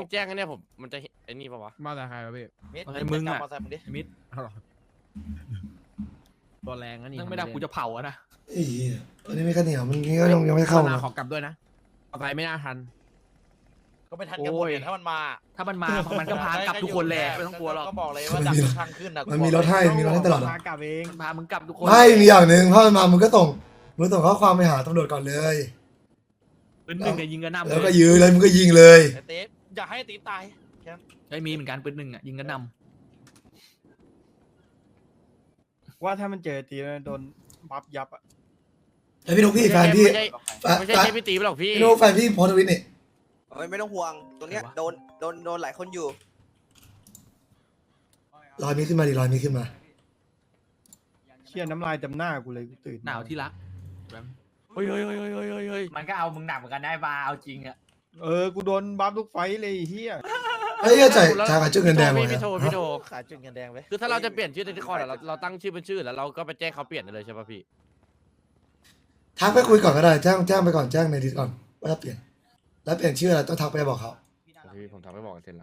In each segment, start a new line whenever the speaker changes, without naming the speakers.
แจ้งกันเนี่ยผมมันจะไอ้นี่ปะวะ
มาแต่ใครวะพี่
มิด
อะไรมึงอะ
จับมอเตอร์ไซค์มึงดิ
มิด
เอาหรอตัวแรงนะนี่
นั่งไม่ได้กูจะเผาอะนะ
ไอ้เหี้ยวันนี้ไม่ข้าวเหนียวมันก็ยังไม่เข้า
นา
นะ
ขอกลับด้วยนะเอาไปไม่น่าทัน
ก็ไม่ทันกันหมดเนี่ยถ้ามันมา
ถ้ามันมามันก็พากลับทุกคนแหละไม่ต้องกลัวหรอก
ก็บอกเลยว่าดับทุกทางขึ้นนะ
มันมีรถให้มีรถให้ตลอดอะ
มากลับเอง
มันพามึงกลับทุกคน
ไม่มีอย่างหนึ่งถ้ามันมามึงก็ส่งข้อความไปหาตำรวจก่อนเลย
ปืนหนึ่งเนี่ยยิงกระหน่ำ
แล้วก็ยื้อเลยมึงก็ยิงเลย
ไอ้ติ๊บอย่าให้ติ๊บตายแค่นั้น
ไม่มีเหมือนกันปืนหนึ่งอะยิงกระหน่
ว่าถ้ามันเจอตีแล้วโดนบัฟยับอ่ะ
ไอพี่นุ๊กพี่แฟนพี่
ไม่ใช่
แฟน
เจ๊พี่ตีไปหรอกพี่
พี่นุ๊กแฟนพี่โพสต์ทวิตนี่
ไม่ต้องห่วงตรงเนี้ยโดนหลายคนอยู่
รอยมีขึ้นมาดิรอยมีขึ้นมา
เชี่ยน้ำลายเต็มหน้ากูเลยกูตื่น
ำหนาวที่รัก
เฮ้ยเฮ้ยเฮ้ยเฮ้ยเฮ้ยเฮ้ย
มันก็เอามึงหนักเหมือนกันได้บาเอาจริงอะ
กูโดนบัฟทุกไฟต์เลยไอ้เฮีย
ไอ้เหี้ยจ่ายกับจุดเงินแดงเลย
พี่โทรพี่โทร
ขายจุดเงินแดงไว้
คือถ้าเราจะเปลี่ยนชื่อในที่คอร์ดเราตั้งชื่อเป็นชื่อแล้วเราก็ไปแจ้งเขาเปลี่ยนได้เลยใช่ป่ะพี่
ทักไปคุยก่อนก็ได้แจ้งไปก่อนแจ้งในดิสก่อนว่าจะเปลี่ยนแล้วเปลี่ยนชื่ออะไรต้องทักไปบอกเขา
พี่ผมทำไม่บอกกันเซ็นละ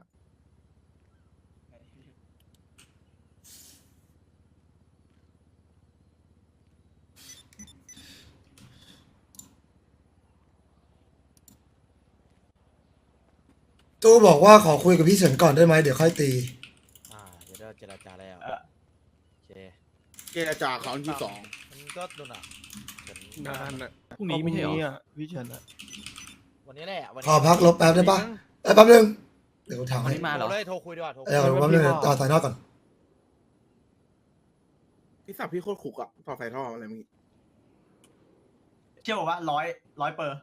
ตู้บอกว่าขอคุยกับพี่เฉินก่อนได้ไหมเดี๋ยวค่อยตี
เดี๋ยวเราเจรจาแล้วโอเค
เจรจาครั้งที่สอง
มันก็นู่นอ่ะเดี๋ยวน
านอ่ะ
พรุ่งนี้ไม่ใช่เหรอ
อ่ะพี่เฉินอ่ะ
วันนี้แหละวัน
ขอพักลบแป๊บได้ปะแป๊บนึงเดี๋ยวกูถาม
วัน
ให้
นี้มาเหรอ
โทรเลยโทรคุยดีกว่าโทรคุย
เดี๋ยวแป๊บนึงต่อสายนอกก่อน
พี่สับพี่โคตรขุกอ่ะต่อไฟท่ออะไรมึง
เชื่อบอกว่าร้อยเปอร์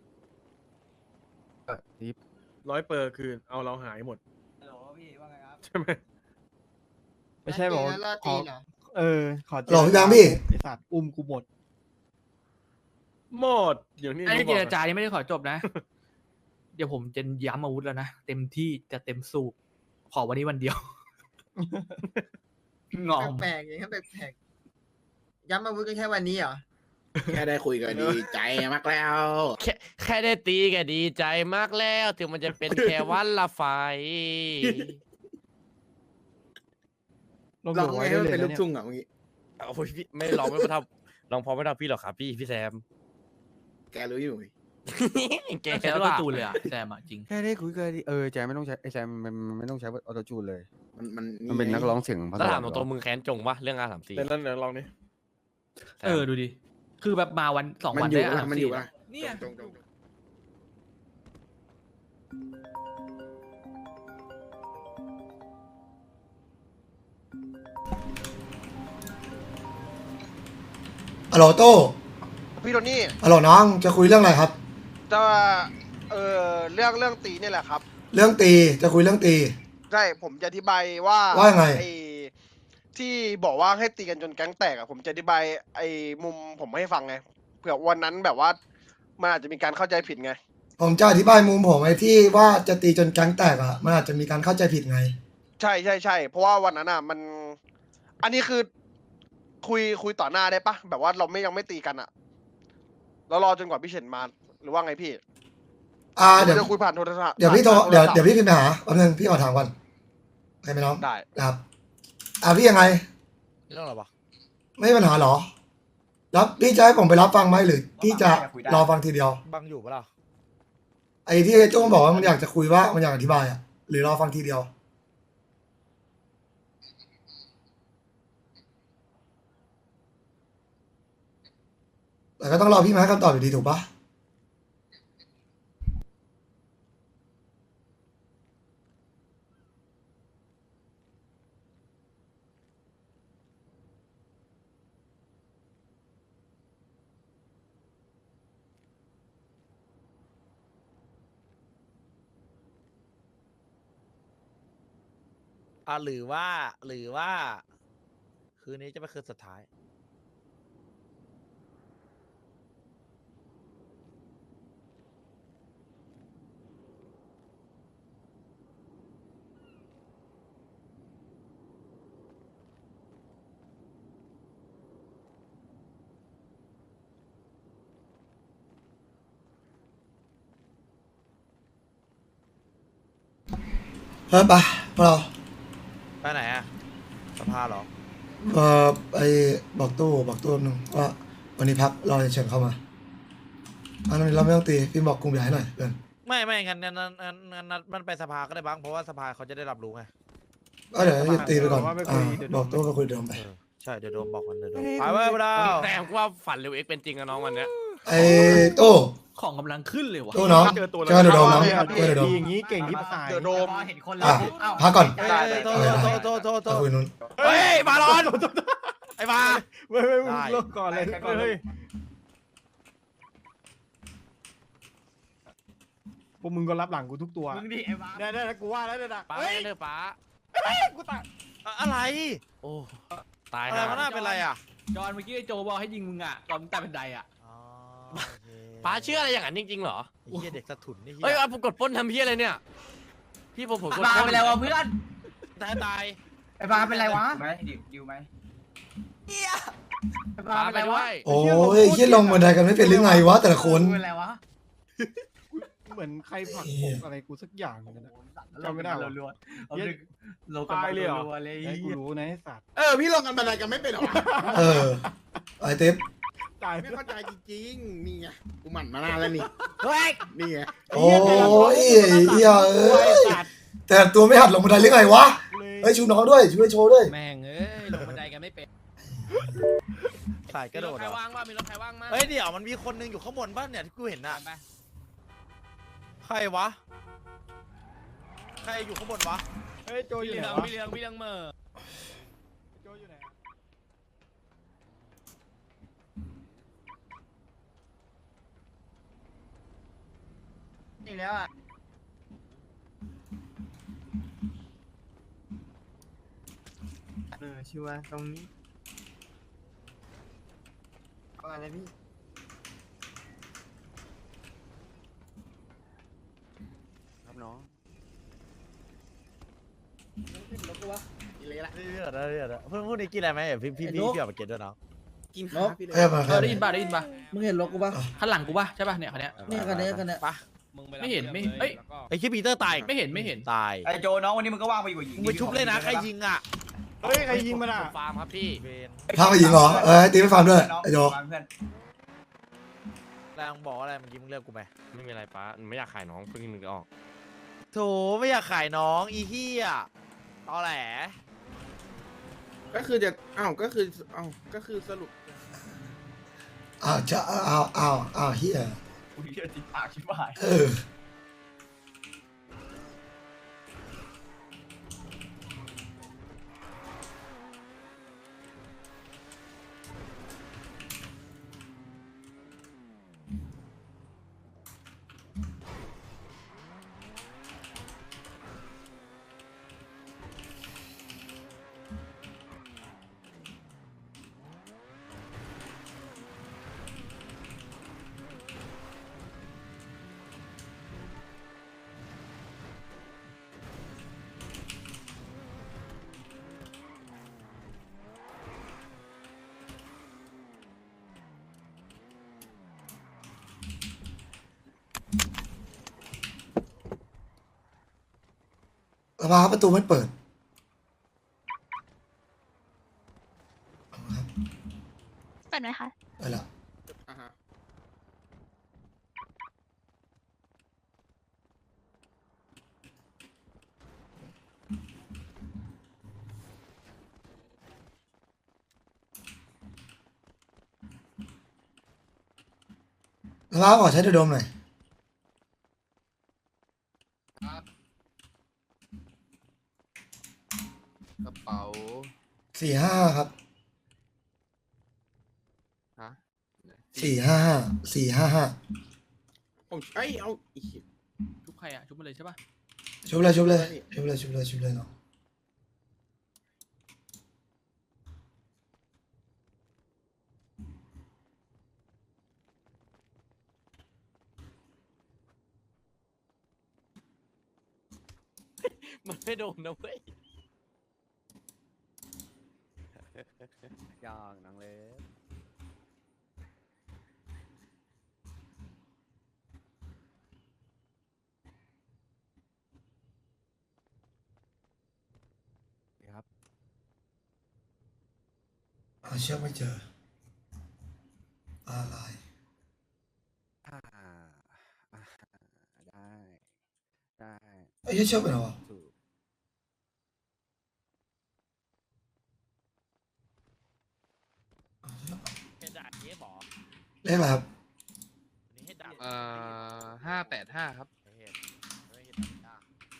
100%คือเอาเราหายหมด
ฮัลโหลพี่ว่าไงครับ
ใช่ไหม
ไม่ใช่บอกว่าขอขอเจ
หลอกพี่แบงค์พี่
ไอสัตว์อุ้มกูหมด
หมดอย่างนี้
ไอ้เจรจานี่ไม่ได้ขอจบนะ เดี๋ยวผมจะย้ำอาวุธแล้วนะเต็มที่จะเต็มสูบขอวันนี้วันเดียว งอม
แปลกๆอย่างนี้แปลกๆย้ำอาวุธกันแค่วันนี้เหรอ
แค่ได้คุยกันดีใจมากแล้ว
แค่ได้ตีก็ดีใจมากแล้วถึงมันจะเป็นแค่วันละไฟ
ลง
ลอง
หัว
ไง
ได้
ให้มัน
เลย
เป็นลู
นะ
ก
เนี่ย
ทุ่งอ่ะเมื่อกี้
โอ้ยพี่ไม่ลองไม่ทำลองพอไม่ทำพี่หรอกครับพี่แซม
แกรู้อยู่
แก
แค่
ด้
ว่า
วย
ตูนเลยอะแซมอะจริง
แค่ได้คุยกันดีแจมไม่ต้องใช้ไอแจมมันไม่ต้องใช้ออโตจูนเลย
มัน
มันเป็นนักร้องเสียงภา
ถ้า
ษา
ถามตัวมึงแค้นจงปะเรื่องR34
เดี๋ยวนั่นเดี๋ยวลองนี่
ดูดิ คือแบบมาวัน2
มัน
วัน
อยู่
ได้
นะมันอยู่นะ
เนี่ย
จง
ฮัลโหลโต้
พี่โทนี่
ฮัลโหลน้องจะคุยเรื่องอะไรครับ
จะเรื่องตีนี่แหละครับ
เรื่องตีจะคุยเรื่องตี
ใช่ผมจะอธิบายว่า
ว่าไง
อ้ที่บอกว่าให้ตีกันจนแก๊งแตกอะผมจะอธิบายไอ้มุมผมให้ฟังไงเผื่อวันนั้นแบบว่ามันอาจจะมีการเข้าใจผิดไง
ผมจะอธิบายมุมผมไอ้ที่ว่าจะตีจนแก๊งแตกอ่ะมันอาจจะมีการเข้าใจผิดไง
ใช่ใช่ใช่เพราะว่าวันนั้นอะมัน อันนี้คือคุยต่อหน้าได้ปะแบบว่าเรายังไม่ตีกันอะแล้วรอจนกว่าพี่เฉินมาหรือว่าไงพี่
เดี๋ยว
จะคุยผ่านโทรศัพท์
เดี๋ยวพี่โทรเดี๋ยว
ผ่านโทรศัพท์
เดี๋ยวพี่พิมพ์ไปหาแป๊บนึงพี่ขอถามก่อนโอเคไหมน้อง
ได้
ครับพี่ยังไง
เรื่องอะไรวะ
ไม่มีปัญหาเหรอรับพี่จะให้ผมไปรับฟังไหมหรือพี่จะรอฟังทีเดียว
บังอยู่ปะล่ะ
ไอ้ที่โจ้บอกว่ามันอยากจะคุยว่ามันอยากอธิบายอ่ะหรือรอฟังทีเดียวแต่ก็ต้องรอพี่มาให้คำตอบอยู่ดีถูกปะ
หรือว่า คืนนี้จะเป็นคืนสุดท้าย
ไปพวกเรา
ไปไหนอะสภาเหรอ
ไอ้บอกตู้นึงว่าวันนี้พักรอเฉินเข้ามาอันนี้เราไม่ต้องตีพี่บอกกรุงใหญ่หน่อยเพื่อน
ไม่งั้นมันไปสภาก็ได้บ้างเพราะว่าสภาเขาจะได้รับรู้ไง
ก็เดี๋ยวตีไปก่อนบอกตู้ไปคุยเดิมไป
ใช่เดี๋ยวโดมบอกมันเดี๋ยวโดมไปเว้ยพวกเรา
แต่ว่าฝันเร็วเอ็กเป็นจริงอะน้องวันเนี้ย
ไอ้ตู้
ของกำลังขึ้นเลยวะ
ตู้น้อง
เจอตัว
เจอเดี๋ยวโดมน้องเจอเดี๋ยวโดม
อย่างนี้เก่งที่ภาษา
เดี๋ยวโดม
เห็นคน
อ่ะ
แล้ว
พักก่อน
โท
ไปคุยนู้น
เฮ้ยบาลอนไอ้บา
ไม่
ได้
เลิกก่อนเลยเฮ้ยพวกมึงก็รับหลังกูทุกตัว
มึงดิไอ้บ้า
ได้กูว่าแล้วเนี่ย
ป้าเถอะป้า
กูตาย
อะไร
โอ้ตาย
อะไร
ห่า
มันน่าเป็นไรอ่ะ
จอนเมื่อกี้ไอ้โจบอกให้ยิงมึงอ่ะตอนมึงใต้บันไดอ่ะ
ป้าเชื่ออะไรอย่างนั้นจริงๆเหรอ
ไอ้เหี้ยเด็กสะถุนนี่
เฮ้ยผมกดปล้นทำเพี้ยอะไรเนี่ย พี่ผมกด
บ้า
ปล้น
เป็นไรวะเพื่อน
ตาย
ไอ้บ้าเป็นไรวะ
ไหมดิวไหม
ไอ้บ้า
ป้า
เป็น
ไป
ไร
ด้
วะ
วย
โอ้ยยี่ลงบันไดกันไม่เป็นหรือไงวะแต่ละคน
เป็นไรวะ
เหมือนใครผลักอกอะไรกูสักอย่างนึงนะ จำไม่ได้วะ
รัวๆเอาดึกโลกัน
ตายเลยเหรอ
รัวๆเลย
ไอ้กูรู้นะไอ้สัตว์
พี่ลงกันบันไดกันไม่เป็นหรอ
เออไอ้เต็ม
ตาย
ไม่เข้าใจจริงๆนี่ไงกูหมั่นมานานแล้วนี่
เฮ้ย
นี่ไง
โอ้ยเหี้ยเอ้ยแต่ตัวไม่หัดลงบันไดหรือไงวะเฮ้ยชูน้องด้วยชูให้โชว์ด้วย
แม่งเอ้ยลงบันไดกันไม่เป็น
สายกระโดด
มีรถใครว่างบ้างมีรถใครว่างมั้ง
เฮ้ยเดี๋ยวมันมีคนนึงอยู่ข้างบนบ้านเนี่ยที่กูเห็นน่ะใครวะใครอยู่ข้างบนวะ
เฮ้ยโจ
พี่
อยู่
เห
ไหน
ลือง
วะ
พี่เหลืองพี่เหลืองเมอ
โจอยู่ไหน
นี่แล้วอ่ะชัวร์ตรงนี้เอาอะไรพี่
ครับน้อง
นี่เลยละ
เดี๋ยวเพื่อนพูดนี้กินอะไรไหมเดี๋ยวพี่เอาไปกินด้วยเนาะ
กิน
นก
พี่เลย
เอ้ยมาค
เอ
รับ
อได้ยินป่ะได้ยินป่ะ
มึงเห็นรถกูปะ
ข้างหลังกูป่ะใช่ป่ะเนี่ยคันเนี้ย
เนี่ยกันเนี้ยกันเนี้ย
ปะ
ไม่เห็นไม่เอ้ย
ไอ้คิดปีเตอร์ตาย
ไม่เห็น
ตาย
ไอ้โจน้องวันนี้มึงก็ว่างไปอยู่กับหญิง
มึงไปชุบเลยนะใครยิงอ่ะ
เฮ้ยใครยิงมันอ่ะ
ฟาร์มครับพี่
เวน
พาไปยิงเหรอตีไม่ฟังด้วยไอ้โจ
เพื่อน
แรงบอกอะไรเมื่อกี้มึงเลือกกูไหม
ไม่มีอะไรป้าไม่อยากขายน้องเพิ่งนึกออก
โถไม่อยากขายน้องอีเหี้ยตอแหล
ก็คือจะก็คือสรุป
อ้าวจะอ้าวเฮีย
กูเชื่อติดปากชิบหาย
เออสภาประตูไม่เปิด
เปิดไหมคะ
ไปละ
อ่าฮะ
สภาขอใช้เดอะโดมหน่อย
กระเป๋า
455ครับ455
ผมเอาอีก
ชุบใครอ่ะชุบมาเลยใช่ป่ะ
ชุบเลยเนาะ
มันไม่โดนนะเว้ย
อย่างนังเลย
สเชือกไม่เจออะไร
อ่าอ่าได้ได้
ไอ้เหี้ยเชือกไปไหนวะ
ถูก
เฮดดับเทปหรอ
เลขอะไรครับ
อันนี้เฮดดับ
585ครับ
เฮดไม่เฮดดับจ้า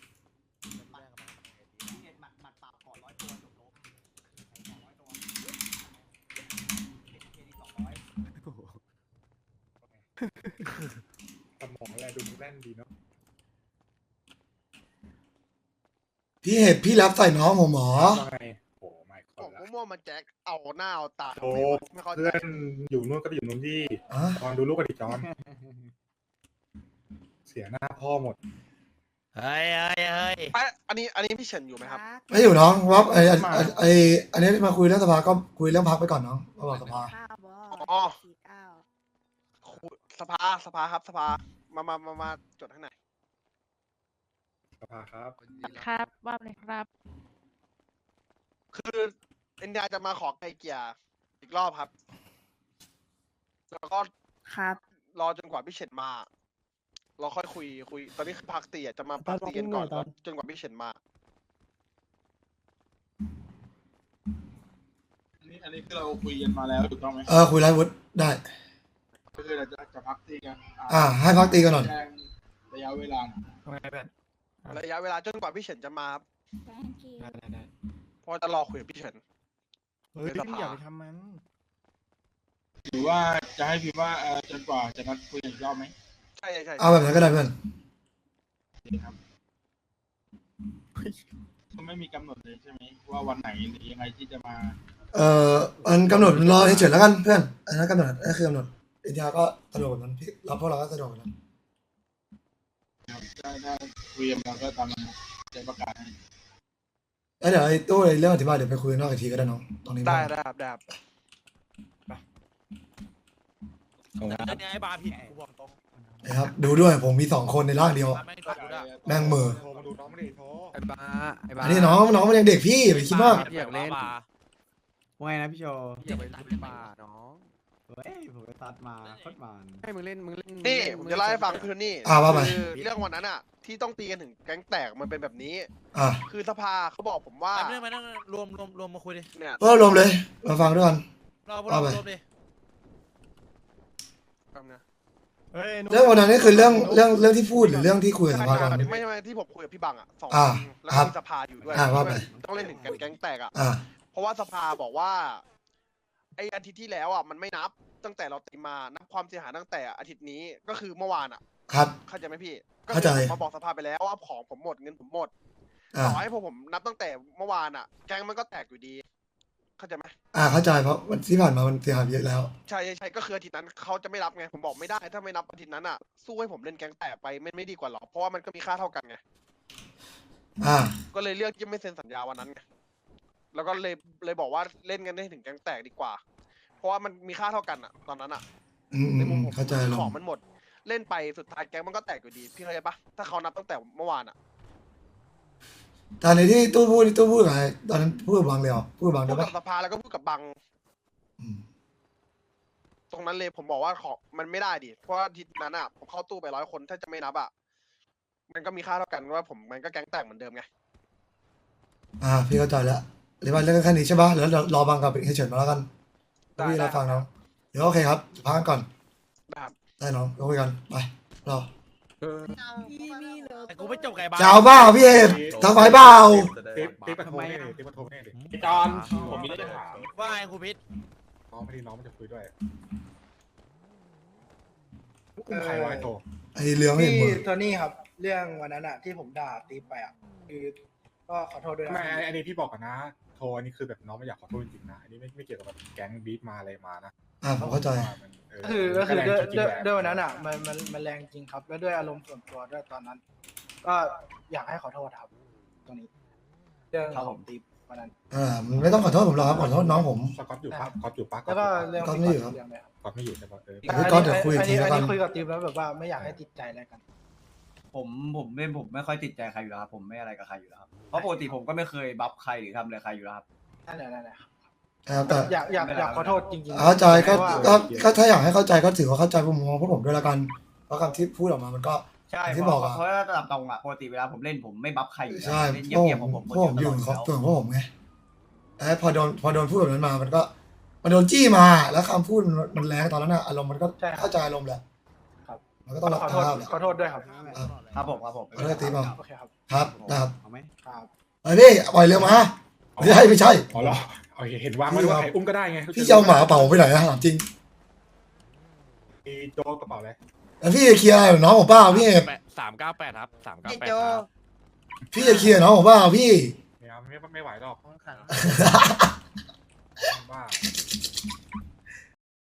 สมองอะไรดูแน่นดีเนาะ
พี่เห็บพี่รับใส่น้องผมหมอ
ไงโอ้ไม่
บอกมั่วๆมาแจ็คเอาหน้าเอาตา
โอ้
ไม่เข้าใจ
เพื่อนอยู่นู่นก็ไปอยู่นู่นที่
อ่ะ
จอนดูลูกกันดิจอน เสียหน้าพ่อหมด
เฮ้ยเฮ้ยเฮ้ย
อันนี้พี่เฉินอยู่ไหมครับ
ไม่อยู่น้องวับอันนี้มาคุยเรื่องสภาก็คุยเรื่องพักไปก่อนน้องมาบอกสภา
อ๋อ สภาครับสภามาจดให้หน่อย
สภาครับ
ครับว่าเลยครับ
คือเอ็นดาจะมาขอไกลเกลี่ยอีกรอบครับ แล้วก็
ครับ
รอจนกว่าพี่เฉินมา เราค่อยคุยตอนนี้คือพักตีอ่ะจะมาพักตีกันก่อนแล้วจนกว่าพี่เฉินมา
อันนี้คือเราคุยกันมาแล้วถูกต้องไหม
คุยไลฟ์วุฒิได้
ก็คือเราจะพักตีกัน
ให้พักตีกันหน่อย
แจ้งระยะเวลาหน่อย
ทำไมเพื่อน
ระยะเวลาจนกว่าพี่เฉินจะมาครับ
ได้
เพราะจะรอคุยกับพี่เฉิน
เฮ้ย
ในสภา
พี่อย่าไปทำมัน
หรือว่าจะให้พิมพ์ว่าจนกว่าจะนัดคุยกันอีกรอบไหม
ใช่
เอาแบบนั้นก็ได้เพื่อน
โอเคครับก็ไม่มีกำหนดเลยใช่ไหมว่าวันไหนหรือยังไงที่จะมา
มันกำหนดรอเฉยๆแล้วกันเพื่อนอันนั้นกำหนดนั่นคือกำหนดอินเดียก็สะดวกแบบนั้นพี่เราพวกเราก็สะดวกแบบนั้น
ถ้าคุยกันเราก็ตามนั้นจะประกาศให้
แล้วเดี๋ยวไอ้ตู้เรื่องอธิบายเดี๋ยวไปคุยกันนอกอีกทีก็ได้น้องตรงนี้
ได้ครับได้ครับ
เรื่องนี้ไอ้บาร์ผิดกูบอกตรง
นะครับดูด้วยผมมี2 คนในร่างเดียว
ไม่ถูกอะ
แม่งมือ
โทรมาดูน้องไม่ได้โทร
ไอ้บ้าไอ้บ้า
อันนี้น้องมันยังเด็กพี่อย่าไปคิดมาก
อยากเล่น
ว่าไงนะพี่โชว์
อยากไปเล่นบ้าน้อง
เฮ้ยผมไปตัดมาโคตรมัน
ให้มึงเล่นมึงเล่น
นี่ผมจะเล่าให้ฟังคือนี่
ว่าไป
คือเรื่องวันนั้นอ่ะ ที่ต้องตีกันถึงแก๊งแตกมันเป็นแบบนี้
อ่ะ
คือสภาเขาบอกผมว่า
ไม่ต้องรวมมาคุยดิ
เนี่ย
ก็รวมเลยมาฟังด้วยกัน
เรารวมดิ
เฮ้ยนุ๊ก
เรื่องวันนั้นนี่คือเรื่องที่พูดหรือเรื่องที่คุยกับสภาก่อน
ไม่ที่ผมคุยกับพี่บังอ่ะ2
อ่า
คนแล้ว
ครั
ก็
บ
มีสภาอยู่ด้วย
ว่าไป
ต้องเล่นถึงแก๊งแตกอ่ะ
อ่ะ
เพราะว่าสภาบอกว่าไออาทิตย์ที่แล้วอ่ะมันไม่นับตั้งแต่เราตีมานับความเสียหายตั้งแต่อาทิตย์นี้ก็คือเมื่อวานอ่ะ
ครับ
เข้าใจไหมพี่
เข้าใจ
ก็คือผมมาบอกสภาไปแล้วว่าของผมหมดเงินผมหมด
อ่ะ
ต่อให้ผมนับตั้งแต่เมื่อวานอ่ะ แก๊งมันก็แตกอยู่ดี เข้าใจไหม
เข้าใจเพราะวันที่ผ่านมามันเสียหายเยอะแล้ว
ใช่ก็คืออาทิตย์นั้นเขาจะไม่รับไงผมบอกไม่ได้ถ้าไม่นับอาทิตย์นั้นอ่ะสู้ให้ผมเล่นแก๊งแตกไปไม่ดีกว่าหรอเพราะว่ามันก็มีค่าเท่ากันไง
อ่า
ก็เลยเลือกที่ไม่เซ็นสัญญาวันนั้นไงแล้วก็เลยบอกว่าเล่นกันได้ถึงแก๊งแตกดีกว่า เพราะว่ามันมีค่าเท่ากันอ่ะ ตอนนั้นอ่ะ ในมุมผม
เข้าใจล
ของ งมันหมด เล่นไปสุดท้ายแก๊งมันก็แตกอยู่ดี พี่เข้าใจปะถ้าเขานับตั้งแต่เมื่อวานอ่ะ
ตอนนี้ที่ตู้พูดกับใครตอนนั้นพูดกับบางเลยเหรอพูดกับบาง
พู
ได้
ดกั
ปะ
บสภาแล้วก็พูดกับบัง
อืม
ตรงนั้นเลยผมบอกว่าของมันไม่ได้ดิเพราะว่าทีนั้นอ่ะผมเข้าตู้ไป100 คนถ้าจะไม่นับอ่ะมันก็มีค่าเท่ากันว่าผมมันก็แก๊งแตกเหมือนเดิมไง
พี่เข้าใจแล้วเรียกว่าเรื่องแค่นี้ใช่ปะแล้วรอบางกับเฉยๆมาแล้วกันพี่เราฟังน้องเดี๋ยวโอเคครับพักกันก่อน
นะครับ
ได้น้องเราคุยกันไปรอ
แต่กูไม่จบไก่บาร์
จะเอาเปล่าพี่เอกทำไฟเปล่า
ติ๊กมาโทรนี่ดิติ๊กมาโทรนี่ดิ
พี่จอนผมมีเรื่องจะถาม
ว่าไงครูพิษ
น้องไม่ดีน้องมันจะคุยด้วยอุ้มใครไว้โทร
ไอ้เรื่องไม่เห็นมือ
โทนี่ครับ เรื่องวันนั้นอะที่ผมด่าตีไปอะคือก็ขอโทษด้วย
ไม่
นะ
อันนี้พี่บอกก่อนนะ โทรอันนี้คือแบบน้องไม่อยากขอโทษจริงๆนะ อันนี้ไม่เกี่ยวกับแบบแก๊งบีบมาอะไรมานะ
ผมเข้าใจ
ก็คือ
แรง
ด้วย
จริงๆแหละ
ด้วยวันนั้นอะมันแรงจริงครับ แล้วด้วยอารมณ์ส่วนตัวด้วยตอนนั้น ก็อยากให้ขอโทษครับ ตรงนี้เรื่องของตีวันนั้น
มันไม่ต้องขอโทษผมหรอกครับขอโทษน้องผม
สก๊อตอยู่ปะสก๊อตอยู่ปะ
แล้วก็เรื่อง
ก็
ที่
ไม่อยู่ครับ
เรื่องเลยครับ
สก๊อตไม่อยู่ใช่ปะ
พี่ก๊อตเดี๋ยวคุยอีกทีแล้วกัน
อันนี้คุยกับทีมแล้วแบบว่าไม่อยากให้ติดใจอะไรกัน
ผมไม่ค่อยติดใจใครอยู่แล้วครับผมไม่อะไรกับใครอยู่แล้วครับเพราะปกติผมก็ไม่เคยบัฟใครหรือทำอะไรใครอยู่แล้วครับ
นั่นแหละ
นะครับแต่
อยากขอโทษจริงๆ
เข้าใจก็
พระว่
ก็ถ้าอยากให้เข้าใจก็ถือว่าเข้าใจมุมมองพวกผมด้วยละกันเพราะคำที่พูดออกมามันก็
ใช่
อย่าง
เพ
ที่บอกอะ
ราะว่าตามตรงอ่ะปกติเวลาผมเล่นผมไม่บัฟใครอยู่แล้ว
ใช่
เล่น
พวก
เงียบ
ผ
ๆ
ม
ของผม
พวกผมอยู่
คน
ขอบ
เดี
ตั
ยว
วพวกผมไงแล้วพอโดนพูดแบบนั้นมามันก็มันโดนจี้มาแล้วคำพูดมันแรงตอนนั้นอะอารมณ์มันก็เข้าใจอารมณ์แหละ
ครับ
มันก็ต้องรับ
ขอโทษ
ภาพแหละ
ขอโทษด้วยครับ
ครับผมครับผม
ขอโทษตีเปล่า
โอเคครับ
ครับนะครับ
ครับ
เฮ้ยพี่ปล่อยเรือมาไม่ใช่ไม่ใช่
อ๋อเหรอโอเคเห็นวางไว้ด้วยใครอุ้มก็ได้ไง
พี่จะเอาหมาเป่าไปไหนนะถามจริง
มีโจ๊กกระเป๋าอะไร
แล้วพี่จะเคลียร์อะไรกับน้องผมเปล่าพี่เอก
398ครับ398
ไอ้
ค
โจ
รับ
พี่จะเคลียร์น้องผมเปล่าพี่
ไม่เอาไม่ไหวหรอกบ้า